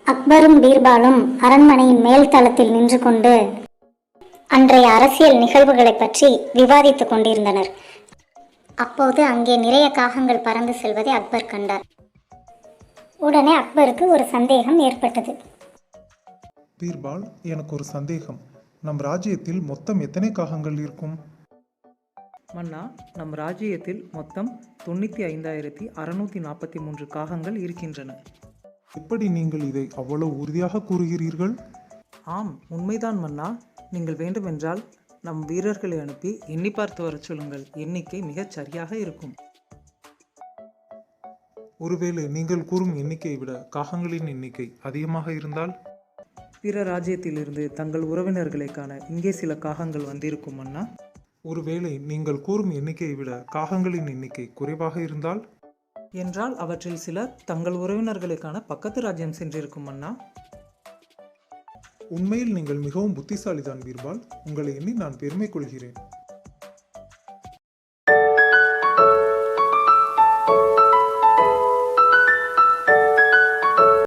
அக்பரும் பீர்பாலும் அரண்மனையின் மேல் தளத்தில் நின்று கொண்டு அன்றைய அரசியல் நிகழ்வுகளை பற்றி விவாதித்துக் கொண்டிருந்தனர். அப்போது அங்கே நிறைய காகங்கள் பறந்து செல்வதை அக்பர் கண்டார். உடனே அக்பருக்கு ஒரு சந்தேகம் ஏற்பட்டது. பீர்பால், எனக்கு ஒரு சந்தேகம். நம் ராஜ்யத்தில் மொத்தம் எத்தனை காகங்கள் இருக்கும்? மன்னா, நம் ராஜ்யத்தில் மொத்தம் 95,643 காகங்கள் இருக்கின்றன. எப்படி நீங்கள் இதை அவ்வளவு உறுதியாக கூறுகிறீர்கள்? ஆம், உண்மைதான் மன்னா. நீங்கள் வேண்டுமென்றால் நம் வீரர்களை அனுப்பி எண்ணி பார்த்து வரச் சொல்லுங்கள். எண்ணிக்கை மிகச் சரியாக இருக்கும். ஒருவேளை நீங்கள் கூறும் எண்ணிக்கையை விட காகங்களின் எண்ணிக்கை அதிகமாக இருந்தால்? பிற ராஜ்யத்திலிருந்து தங்கள் உறவினர்களை காண இங்கே சில காகங்கள் வந்திருக்கும் மன்னா. ஒருவேளை நீங்கள் கூறும் எண்ணிக்கையை விட காகங்களின் எண்ணிக்கை குறைவாக இருந்தால்? என்றால் அவற்றில் சிலர் தங்கள் உறவினர்களை காண பக்கத்து ராஜ்யம் சென்றிருக்கும் மன்னா. உண்மையில் நீங்கள் மிகவும் புத்திசாலிதான் பீர்பால். உங்களை எண்ணி நான் பெருமை கொள்கிறேன்.